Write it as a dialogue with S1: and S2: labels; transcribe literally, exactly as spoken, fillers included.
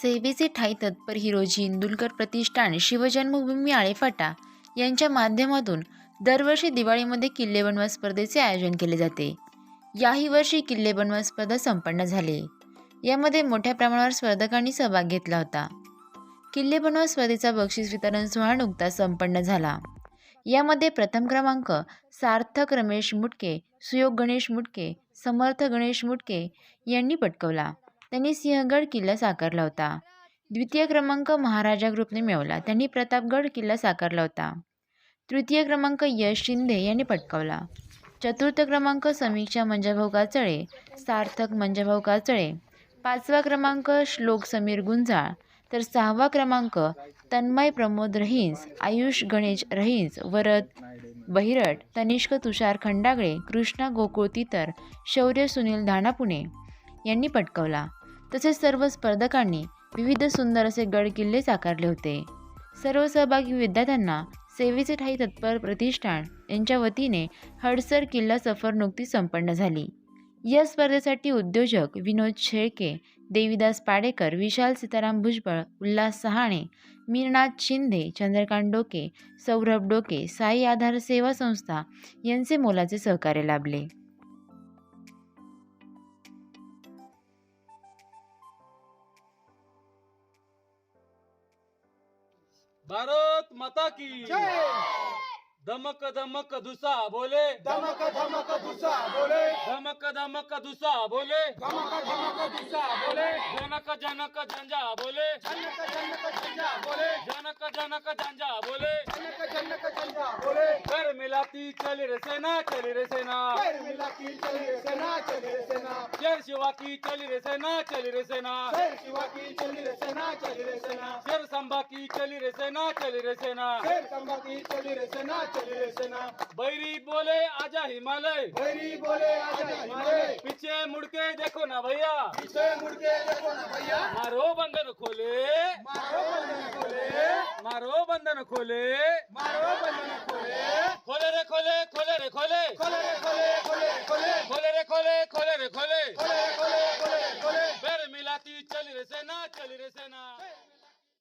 S1: सेवेचे ठायी तत्पर हिरोजी इंदुलकर प्रतिष्ठान शिवजन्मभूमी आळेफाटा यांच्या माध्यमातून दरवर्षी दिवाळीमध्ये किल्ले बनवा स्पर्धेचे आयोजन केले जाते. याही वर्षी किल्ले बनवा स्पर्धा संपन्न झाली. यामध्ये मोठ्या प्रमाणावर स्पर्धकांनी सहभाग घेतला होता. किल्ले बनवा स्पर्धेचा बक्षीस वितरण सोहळा नुकताच संपन्न झाला. यामध्ये प्रथम क्रमांक सार्थक रमेश मुटके, सुयोग गणेश मुटके, समर्थ गणेश मुटके यांनी पटकावला. त्यांनी सिंहगड किल्ला साकारला होता. द्वितीय क्रमांक महाराजा ग्रुपने मिळवला. त्यांनी प्रतापगड किल्ला साकारला होता. तृतीय क्रमांक यश शिंदे यांनी पटकावला. चतुर्थ क्रमांक समीक्षा मंजाभाऊ काचळे, सार्थक मंजाभाऊ काचळे. पाचवा क्रमांक श्लोक समीर गुंजाळ, तर सहावा क्रमांक तन्मय प्रमोद रहीस, आयुष गणेश रहीस, वरद बहिरट, तनिष्क तुषार खंडागळे, कृष्णा गोकुळ तितर, शौर्य सुनील धानापुणे यांनी पटकावला. तसेच सर्व स्पर्धकांनी विविध सुंदर असे गड किल्ले साकारले होते. सर्व सहभागी विद्यार्थ्यांना सेवेचे ठायी तत्पर प्रतिष्ठान यांच्या वतीने हडसर किल्ला सफर नुकतीच संपन्न झाली. या स्पर्धेसाठी उद्योजक विनोद शेळके, देवीदास पाडेकर, विशाल सीताराम भुजबळ, उल्हास सहाणे, मीरनाथ शिंदे, चंद्रकांत डोके, सौरभ डोके, साई आधार सेवा संस्था यांचे मोलाचे सहकार्य लाभले.
S2: भारत माता की धमक धमक धुसा बोले,
S3: धमक धमक दुसा बोले,
S2: धमक धमक धुसा बोले,
S3: धमक धमक दुसा बोले,
S2: जनक जनक झंझा बोले,
S3: जनक जनक झंझा बोले,
S2: जनक जनक झंझा बोले,
S3: जनक जनक झंझा बोले.
S2: कर मिलाती चली रे सेना, चली रे सेना,
S3: पैर मिला की चली रे सेना, चली रे सेना,
S2: शेर शिवा की चली रे सेना, चली रे सेना,
S3: पैर शिवा की चली रे सेना, चली रे सेना,
S2: शेर संभा की चली रे सेना, चली रे सेना,
S3: पैर संभा की चली रे सेना, चली रे सेना.
S2: बैरी बोले आजा हिमालय,
S3: भैरी बोले आजा हिमालय,
S2: पीछे मुड़के देखो ना भैया,
S3: पीछे मुड़ के देखो ना भैया,
S2: मारो बंधन खोले,
S3: मारो बंधन खोले,
S2: मारो बंधन खोले,
S3: मारो बंधन खोले,
S2: खोले